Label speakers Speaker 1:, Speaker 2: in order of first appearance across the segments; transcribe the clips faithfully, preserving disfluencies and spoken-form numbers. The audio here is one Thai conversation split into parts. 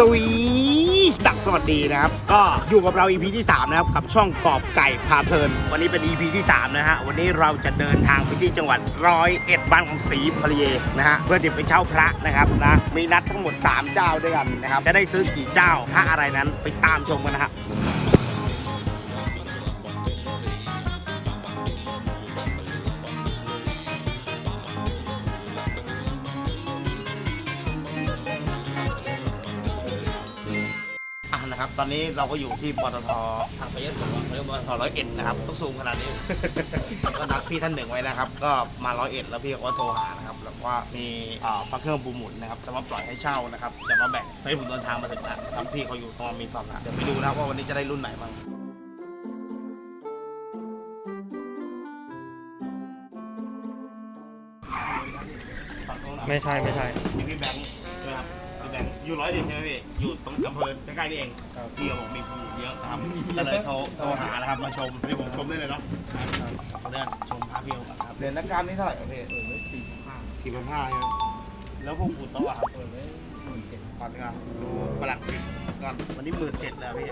Speaker 1: วีดักสวัสดีนะครับก็อยู่กับเรา อี พี ที่สามนะครับกับช่องกอบไก่พาเพลินวันนี้เป็น อี พี ที่สามนะฮะวันนี้เราจะเดินทางไปที่จังหวัดร้อยเอ็ดบ้านของศรีภริเยนะฮะเพื่อจะไปเช่าพระนะครับนะมีนัดทั้งหมดสามเจ้าด้วยกันนะครับจะได้ซื้อกี่เจ้าพระอะไรนั้นไปตามชมกันนะฮะนะครับตอนนี้เราก็อยู่ที่ปตททางไปยะโสเรียกว่าปตทร้อยเอ็ดนะครับต้องซูมขนาดนี้ ก็นัดพี่ท่านหนึ่งไว้นะครับก็มาร้อยเอ็ดแล้วพี่ก็โทรหานะครับแล้วก็มีพระเครื่องปูหมุนนะครับจะมาปล่อยให้เช่านะครับจะมาแบ่งให้ผมเดินทางมาถึงแล้วครับพี่เขาอยู่ตรงมีความละเดี๋ยวไปดูนะว่าวันนี้จะได้รุ่นไหนบ้าง
Speaker 2: ไม่ใช่ไม่ใช่
Speaker 1: นี่พี่แบงค์ใช่ไหมครับพี่แบงค์อยู่ร้อยเอ็ดใช่ไหมพี่อยู่ตรงอำเภอใกล้ๆนี่เองพี่เขาบอกมีปูเยอะนะครับก็เลยโทรโทรหานะครับมาชมให้ผมชมได้เลยเนาะเนี่ยชมพระพี่เขาครับเหรียญนักการนี่เท่าไหร่ครับพี่สี่สิบห้าสี่พันห้าใช่ไหมแล้วพวกปูโต๊ะครับเปิดไว้หมื่นเจ็ดพันครับดูประหลัดผิดก่อนวันนี้หมื่นเจ็ดแล้วพี่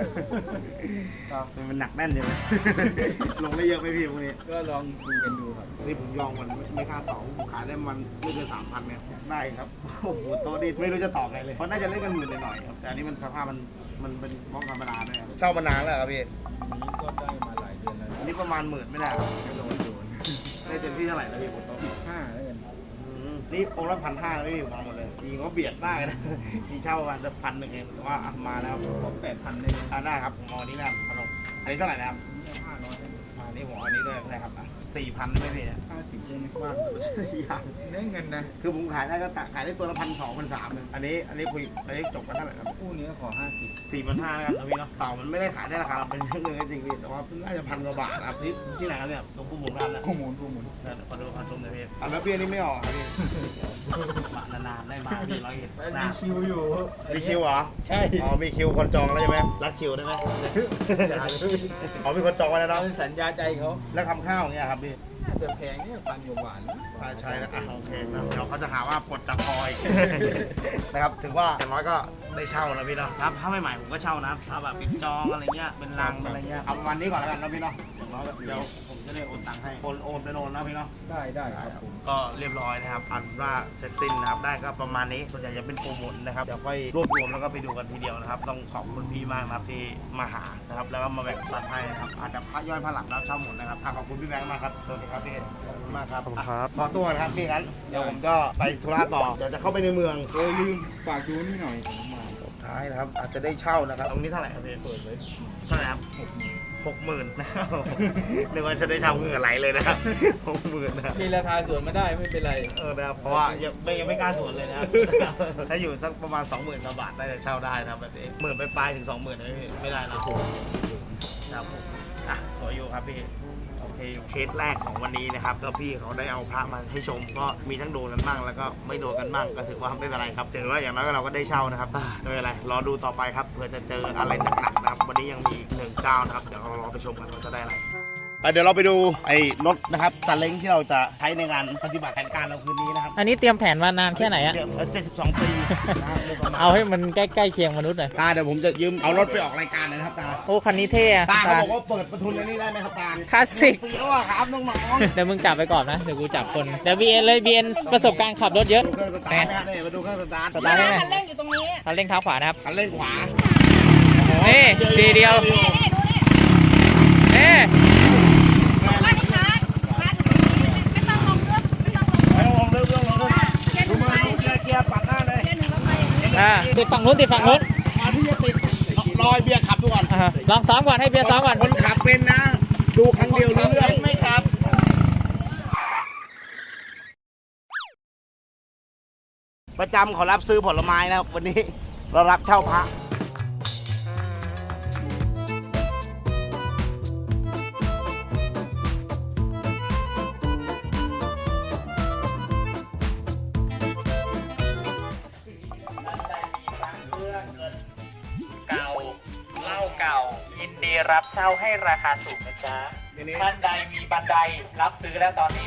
Speaker 1: มันหนักแน่นเลยลงได้เยอะไหมพี่พวกนี้
Speaker 2: ก็ลองดูกันดูครับ
Speaker 1: นี่ผมยองมันไม่กล้าต่อผมขายได้มันไม่เกินสามพันเนี่ยอยากได้ครับโอ้โหโต๊ะนี่ไม่รู้จะต่อไงเลยเพราะน่าจะเล่นกันหมื่นหน่อยครับแต่อันนี้มันสภาพมันมันเป็นบ้องธรรมดาด้วยครับเช่ามานานแล้วครับพี่
Speaker 2: อันนี้ก็ได้มาหลายเดือนแล้ว
Speaker 1: อันนี้ประมาณหมื่นไม่ได้ครับ
Speaker 2: ไม่โดนโดน
Speaker 1: ได้เต็มที่เท่าไหร่แล้วพี่บนโต๊ะ
Speaker 2: ห้าแล้วกัน
Speaker 1: นี่องค์ละพันห้าไม่มีมาหมดเลยจริงเขาเบียดมากนะจริงเช่าประมาณจะพันหนึ่งเองแต่ว่ามาแล้ว
Speaker 2: ผมแปดพันเลย
Speaker 1: ได้ครับผมเอาอันนี้นะพนมอันนี้เท่าไหร่นะครับ
Speaker 2: ห้าร้อย
Speaker 1: อันนี้ผมอันนี้ด้วยได้ครับสี่พันไม่พี่เนี่ย
Speaker 2: ห้าสิบเลย
Speaker 1: ว่าอย่าง
Speaker 2: ได้เงินนะ
Speaker 1: คือผมขายได้ก็ขายได้ตัวละพันสองพันสามอันนี้อันนี้คุยอันนี้จบกันเท่าไหร่ครับ
Speaker 2: คู่นี้ขอห้าสิบ
Speaker 1: สี่พันห้าแล้วกันนะพี่เนาะเต่ามันไม่ได้ขายได้ราคาเราเป็นเรื่องเงินจริงพี่แต่ว่าน่าจะพันกว่าบาทครับที่ที่ไหนครับเนี่ยตรงปูหมุนร้านนะ
Speaker 2: ปูหมุนปูหมุน
Speaker 1: ขอดูขอชมหน่อยพี่อันนั้นเบี้ยนี่ไม่ออกครับพี่มานานๆได้มาพี่ร้อยเอ็ด
Speaker 2: มีคิวอยู่
Speaker 1: มีคิวเหรอ
Speaker 2: ใช่
Speaker 1: อ๋อมีคิวคนจองแล้วใช่ไหมรัดคิวได้ไหมอ๋อมีคนจองไว้แล้วเนาะ
Speaker 2: สัญญาใจเขา
Speaker 1: แล้วทำข้าวเนี่ยครับพี่
Speaker 2: แต่แพงเนี่ยพันอยู่หวาน
Speaker 1: ใช่นะโอเคนะเดี๋ยวเขาจะหาว่าปลดจากคอยนะครับถึงว่าอย่างน้อยก็ได้เช่านะพี่เนาะครับถ้าไม่ใหม่ผมก็เช่านะถ้าแบบปิดจองอะไรเงี้ยเป็นรังอะไรเงี้ยเอาวันนี้ก่อนแล้วกันนะพี่เนาะอย่างน้อยเดี๋ยวผมจะได้โอนตังค์ให้โอนโอนไปโอนนะพี่เนาะ
Speaker 2: ได้ได้ครับผม
Speaker 1: ก็เรียบร้อยนะครับอันว่าเสร็จสิ้นนะครับได้ก็ประมาณนี้ส่วนใหญ่จะเป็นโปรโมทนะครับเดี๋ยวค่อยรวบรวมแล้วก็ไปดูกันทีเดียวนะครับต้องขอบคุณพี่มากนะครับที่มาหานะครับแล้วก็มาแบ่งปันให้นะครับอาจจะพักย่อยพักหลังแล้วเช่าหมดนะครับขอบคุณพี่แบงค์มากครับสวัสดีครับพี่มากครับขอตัวนะครับพี่งั้นเดี๋ยวผมก็ไปธุระต่อเดี๋ยวจะเข้าไปในเมือง
Speaker 2: โอ้ลืมฝากดูนี่หน่อย
Speaker 1: ท้ายนะครับอาจจะได้เช่านะครับตรงนี้เท่าไหร่ครับพี่
Speaker 2: เปิดไว้
Speaker 1: เท่าไหร่ครับหกหมื่นนะครับนึกว่าจะได้เช่าเงินไหลเลยนะครับหกหมื่นนะ
Speaker 2: มีราคาส่วนไม่ได้ไม่เป็นไร
Speaker 1: เออนะครับเพราะว่ายังไม่ยังไม่กล้าส่วนเลยนะถ้าอยู่สักประมาณสองหมื่นกว่าบาทได้จะเช่าได้นะครับแบบนี้หมื่นไปปลายถึงสองหมื่นไม่ไม่ได้นะครับผมอ่ะสวยอยู่ครับพี่โอเคเคสแรกของวันนี้นะครับก็พี่เขาได้เอาพระมาให้ชมก็มีทั้งโดนกันบ้างแล้วก็ไม่โดนกันบ้างก็ถือว่าไม่เป็นไรครับถือว่าอย่างน้อยเราก็ได้เช่านะครับไม่เป็นไรรอดูต่อไปครับเผื่อจะเจออะไรหนักๆนะครับวันนี้ยังมีหนึ่งเจ้านะครับเดี๋ยวเรารอไปชมกันว่าจะได้อะไรเดี๋ยวเราไปดูไอ้รถนะครับซาเล้งที่เราจะใช้ในงานปฏิบัติแผนการเราคืนนี้นะครับ
Speaker 3: อันนี้เตรียมแผนมานานแค่ไหนอะ
Speaker 1: เจ็ดสิบสองปี
Speaker 3: เอาให้มันใกล้ๆเคียงมนุษย์หน่อย
Speaker 1: ตาเดี๋ยวผมจะยืมเอารถไปออกรายการเลยนะครับตา
Speaker 3: โอ้คันนี้เท่อะ
Speaker 1: ตาเขาบอกว่าเปิดประทุนอันนี้ได้ไหมครับตา
Speaker 3: คลาสสิก
Speaker 1: ปีแล้วอะครับน้อง
Speaker 3: ๆเดี๋ยวมึงจับไปก่อนนะเดี๋ยวกูจับคนเดี๋ยวบีเอ็นเลยบีเอ็นประสบการณ์ขับรถเยอะ
Speaker 1: ดูเครื่องสตาร์ทนะนี่มาดูเครื่องสตาร์ท
Speaker 3: สตาร์ทได้ไหม
Speaker 4: คันเร่งอยู่ตรงนี้
Speaker 3: คันเร่งเท้าขวานะครับ
Speaker 1: คันเร่งขวา
Speaker 3: นี่ทีเดียวนี่ติดฝั่งนู้นติดฝั่งนู้น
Speaker 1: ที่จะติดรอยเบียร์ขับดูก่อน
Speaker 3: ลองซ้อมก่อนให้เบียร์ซ้อมก่อน
Speaker 1: คนขับเป็นนะดูครั้งเดียวรู้เรื่องไม่ครับประจำขอรับซื้อผลไม้นะครับวันนี้เรารับเช่าพระ
Speaker 3: เก่าเหล้าเก่ายินดีรับเช่าให้ราคาสูงนะจ๊ะท่านใดมีบันไดรับซื้อแล้วตอนนี้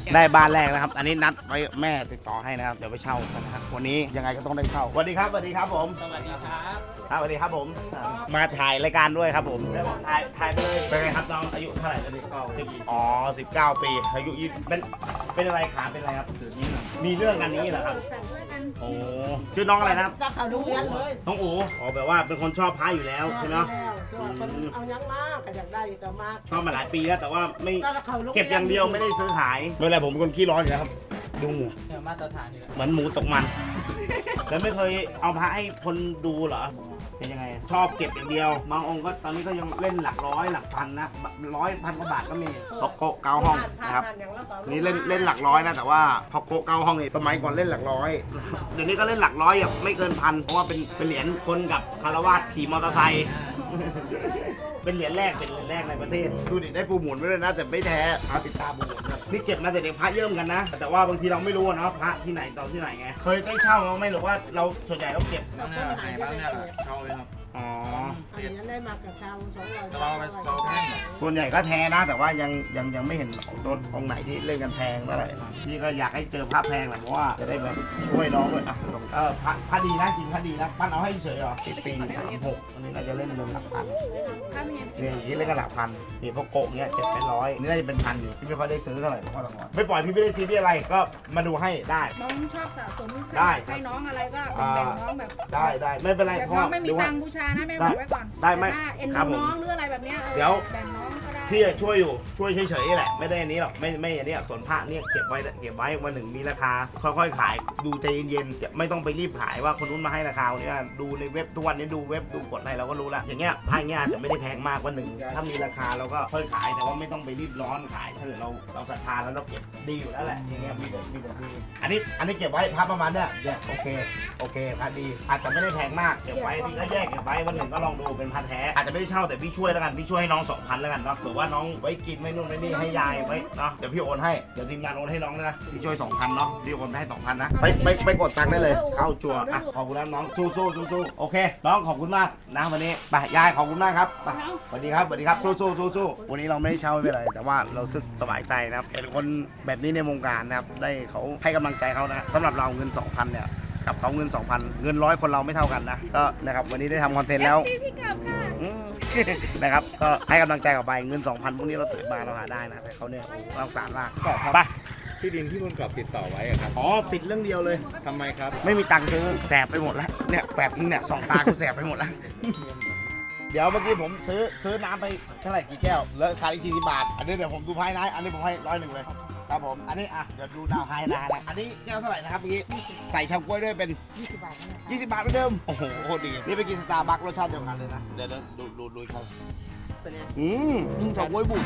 Speaker 1: ได้บ้านแรกนะครับ อันนี้นัดไว้แม่ติดต่อให้นะครับ เดี๋ยวไปเช่ากันนะครับ วันนี้ยังไงก็ต้องได้เช่าสวัสดีครับสวัสดีครับผม
Speaker 3: สวัสดีครับ
Speaker 1: ครับสวัสดีครับผม มาถ่ายรายการด้วยครับผมแล้วบอกถ่ายถ่ายไปเลยเป็นไงครับน้องอายุเท่าไหร่ตอนนี้ก็สิบอ๋อสิบเก้าปีอายุยี่เป็นเป็นอะไรขาเป็นอะไรครับมีเรื่องกันนี้เหรอครับโอ้ชื่อน้องอะไรนะครับ
Speaker 4: จะเขาโรงเรียนเลย
Speaker 1: น้องอู๋อ๋อแบบว่าเป็นคนชอบพระอยู่แล้วใช่ไหม
Speaker 4: ส่วนคนเอายังมากก็อยากได้อยู่แต่มาก
Speaker 1: ชอบมาหลายปีแล้วแต่ว่าไม่
Speaker 4: ก็เขาโรงรีน
Speaker 1: เก็บอย่างเดียวไม่ได้ซื้อขายไม่เป็นไรผมเป็นคนขี้ร้อนอยู่แล้วครับดูเหงื่อ
Speaker 3: เนี่ยมาตรฐานอยู่แล้ว
Speaker 1: เหมือนหมูตกมัน แล้วไม่เคยเอาพระให้คนดูเหรอเป็นยังไงชอบเก็บอย่างเดียวบางองค์ก็ตอนนี้ก็ยังเล่นหลักร้อยหลักพันนะร้อยพันกว่าบาทก็มีพอโกะเกาห้องนะครับนี่เล่นเล่นหลักร้อยนะแต่ว่าพอโกะเกาห้องนี่สมัยก่อนเล่นหลักร้อยเดี๋ยวนี้ก็เล่นหลักร้อยแบบไม่เกินพันเพราะว่าเป็นเป็นเหรียญคนกับคารวาสขี่มอเตอร์ไซค์ เป็นเหรียญแรกเป็นเหรียญแรกในประเทศดูดิได้ปูหมุนไว้เลยนะแต่ไม่แท้พระปิดตาปูหมุนนะนี่เก็บมาแต่เด็กพระเยิ่มกันนะ แต่ว่าบางทีเราไม่รู้นะพระที่ไหนตอนที่ไหนไงเคยได้เช่าไหมหรือว่าเราส่วนใหญ่เราเก็บ
Speaker 2: บ้างเนี่ยหายบ้างเนี่ยเข้าเลยครับ
Speaker 1: อ๋อ
Speaker 4: อันนี้ได้มากับชาวสองร้อย
Speaker 2: แต่ว่ามันเราแพง
Speaker 1: ส่วนใหญ่ก็แท้นะ แต่ว่ายังยังยังไม่เห็นต้นองค์ไหนที่เล่นกันแพงเท่าไหร่พี่ก็อยากให้เจอพระแพงแหละเพราะว่าจะได้แบบช่วยน้องด้วยอ่ะเออพระพระดีนะจริงพระดีนะปั้นเอาให้เฉยเหรอสิบปีสามหกอันนี้น่าจะเล่นเงินหลักพันเนี่ยอย่างนี้เล่นกันหลักพันนี่พวกโกะเนี้ยเจ็ดเป็นร้อยนี่น่าจะเป็นพันอยู่พี่ไม่ค่อยได้ซื้อเท่าไหร่เพราะว่าหลังๆไม่ปล่อยพี่ไม่ได้ซีเรียสอะไรก็มาดูให้ได้
Speaker 5: น้องชอบสะสม
Speaker 1: ได้
Speaker 5: ให้น้องอะไรก็แบ่งน้องแบบ
Speaker 1: ได้ได้ไม่เป็นไร
Speaker 5: แบบ
Speaker 1: เพราะ
Speaker 5: น้อ
Speaker 1: ว่าง
Speaker 5: ไม่มี
Speaker 1: ดูว่า
Speaker 5: ตังค์บูชานะแม่บอกไว้ก่อน
Speaker 1: ได้ไหม
Speaker 5: แต่ถ้าเอ็น
Speaker 1: ครับ
Speaker 5: ดู
Speaker 1: ผม
Speaker 5: น้องหรืออะไรแบบเนี้ยเออ
Speaker 1: เดี๋ยว
Speaker 5: แบ่งน้องก็ได้
Speaker 1: พี่ช่วยอยู่ช่วยเฉยๆแหละไม่ได้อันนี้หรอกไม่ไม่อันนี้ส่วนพระเนี่ยเก็บไว้เก็บไว้วันหนึ่งมีราคาค่อยๆขายดูใจเย็นๆไม่ต้องไปรีบขายว่าคนนู้นมาให้ราคาเนี่ยดูในเว็บทุกวันนี้ดูเว็บดูกดอะไรเราก็รู้แล้วอย่างเงี้ยพระเงี้ยอาจจะไม่ได้แพงมากวันหนึ่งถ้ามีราคาเราก็ค่อยขายแต่ว่าไม่ต้องไปรีบร้อนขายถ้าเกิดเราเราศรัทธาแล้วเราเก็บดีอยู่แล้วแหละอย่างเงี้ยมีแต่มีแต่ดีอันนี้อันนี้เก็บไว้พระประมาณเนี้ยเนี่ยโอเคโอเคพระดีอาจจะไม่ได้แพงมากเก็บไว้พี่ก็แยกเก็บไว้วันหนึ่งก็ลองดูเป็นพระแท้อาจจะไม่ได้เช่าแต่พี่ช่วยแล้วกันพี่ช่วยให้น้องสองพันแล้วกันเนาะเผื่อว่าน้องไว้กินไม่นู่นไม่นี่ให้ยายไว้เนาะเดี๋ยวพี่โอนให้เดี๋ยวทีมงานโอนให้น้องนะพี่ช่วยสองพันเนาะพี่โอนไปให้สองพันนะไปไปไปกดตังค์ได้เลยเข้าจัวอ่ะขอบคุณนะน้องสู้สู้สู้สู้โอเคน้องขอบคุณมากนะวันนี้ไปยายขอบคุณมากครับไปสวัสดีครับสวัสดีครับสู้สู้สู้สู้วันนี้เราไม่ได้เช่าไม่เป็นไรแต่ว่าเราสึกสบายใจนะครับเห็นคนแบบนี้ในวงการนะครับได้เขาให้กำลังใจเขานะสำหรับเราเงินสองพันเนี่ยกับเขาเงิน สองพัน เงินร้อยคนเราไม่เท่ากันนะก็นะครับวันนี้ได้ทำคอนเทนต์แล้ว
Speaker 5: พี่กับค่ะ
Speaker 1: อืม นะครับก็ให้กำลังใจกับไปเงิน สองพัน พวกนี้เราตื่นมาเราหาได้นะแต่เขาเนี่ยเราสารมากไป
Speaker 2: ที่ดินที่คุณกอบติดต่อไว้อะครับ
Speaker 1: อ๋อปิดเรื่องเดียวเลย
Speaker 2: ทำไมครับ
Speaker 1: ไม่มีตังค์ซื้อแสบไปหมดแล้วเนี่ยแปดนึงเนี่ยสองตากูแสบไปหมดแล้ว เดี๋ยวเมื่อกี้ผมซื้อซื้อน้ำไปเท่าไหร่กี่แก้วแล้วขายอีกสี่สิบบาทอันนี้เดี๋ยวผมดูภายในอันนี้ผมให้ร้อยหนึ่งเลยครับผมอันนี้อ่ะเดี๋ยวดูดาวไฮนะนะอันนี้แก้วเท่าไหร่นะครับเมื่อกี้ใส่ชากล้วยด้วยเป็น
Speaker 5: ยี่สิบบาทเนี่ย
Speaker 1: ยี่สิบบาทเหมือนเดิม โอ้โหโคตรดี นี่ไปกินสตาร์บัครสชาติเดียวกันเลยนะ เดี๋ยวดูดูดูเขาอืมมึงถอกไว้บุญ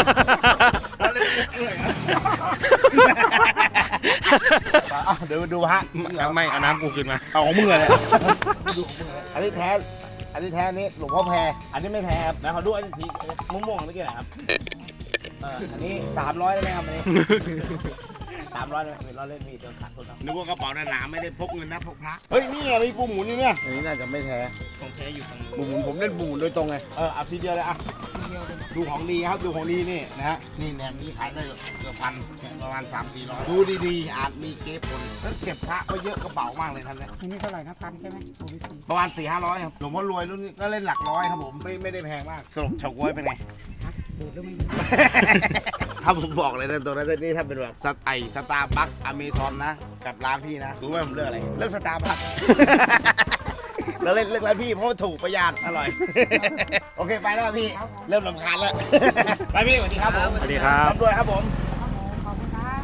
Speaker 1: เดี๋ยวดูฮะ
Speaker 2: ไม่เอาน้ำกูขึ้นมา
Speaker 1: เอาของมึงเลยดูของมึงเลยอันนี้แท้ อันนี้แท้นี่หลวงพ่อแพรอันนี้ไม่แท้ครับนะเขาดูอันนี้ทีม่วงๆเมื่อกี้ไหนครับเอออันนี้สามร้อยได้ไหมครับอันนี้สามร้อยเลยเราเล่นมีเดินขาดทุนครับนึกว่ากระเป๋าหนาๆไม่ได้พกเงินนะพกพระเฮ้ยนี่ไงมีปูหมุนอยู่เนี่ยอันนี้น่าจะไม่แท้ของแท้อยู่ทางปูหมุนผมเล่นปูหมุนโดยตรงเลยเออเอาทีเดียวเลยอ่ะดูของดีครับดูของดีนี่นะฮะนี่แหนมนี้ขายได้เกือบพันประมาณสามสี่ร้อยดูดีๆอาจมีเก็บผลแล้วเก็บพระไว้เยอะกระเป๋ามากเลยท่านเนี่ย
Speaker 5: อันนี้เท่าไหร่นะพันใช่ไหมโอ้ยสี่
Speaker 1: ประมาณสี่ห้าร้อยครับหลวงพ่อรวยรุ่นนี้ก็เล่นหลักร้อยครับผมไม่ไม่ได้แพงมากสรุปเฉาก๊วยเป็นไง
Speaker 5: ดูแล้วไม่
Speaker 1: ถ้าผมบอกเลยนะตัวนั้นนี่ถ้าเป็นแบบสไอสตาร์บัคอเมซอนนะกับร้านพี่นะรู้ไหมผมเลือกอะไรเลือกสตาร์บัค เราเล่นเลือกร้านพี่เพราะว่าถูกประหยัดอร่อย โอเคไปแล้วพี่เริ่มรำคาญแล้ว ไปพี่สวัสดีครับผม
Speaker 2: สวัสดีครับ
Speaker 1: ด้วยครับผม
Speaker 5: ขอบคุณครับ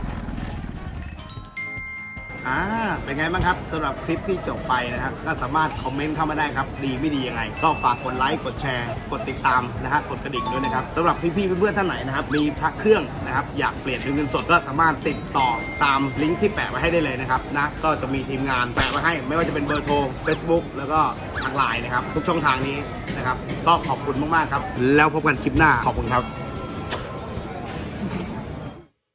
Speaker 1: อ่าเป็นไงบ้างครับสำหรับคลิปที่จบไปนะครับก็สามารถคอมเมนต์เข้ามาได้ครับดีไม่ดียังไงก็ฝากกดไลค์กดแชร์กดติดตามนะฮะกดกระดิ่งด้วยนะครับสำหรับพี่ๆเพื่อนๆท่านไหนนะครับมีพระเครื่องนะครับอยากเปลี่ยนเป็นเงินสดก็สามารถติดต่อตามลิงก์ที่แปะไว้ให้ได้เลยนะครับนะก็จะมีทีมงานแปะไว้ให้ไม่ว่าจะเป็นเบอร์โทร Facebook แล้วก็ทางไลน์นะครับทุกช่องทางนี้นะครับก็ขอบคุณมากๆครับแล้วพบกันคลิปหน้าขอบคุณครับ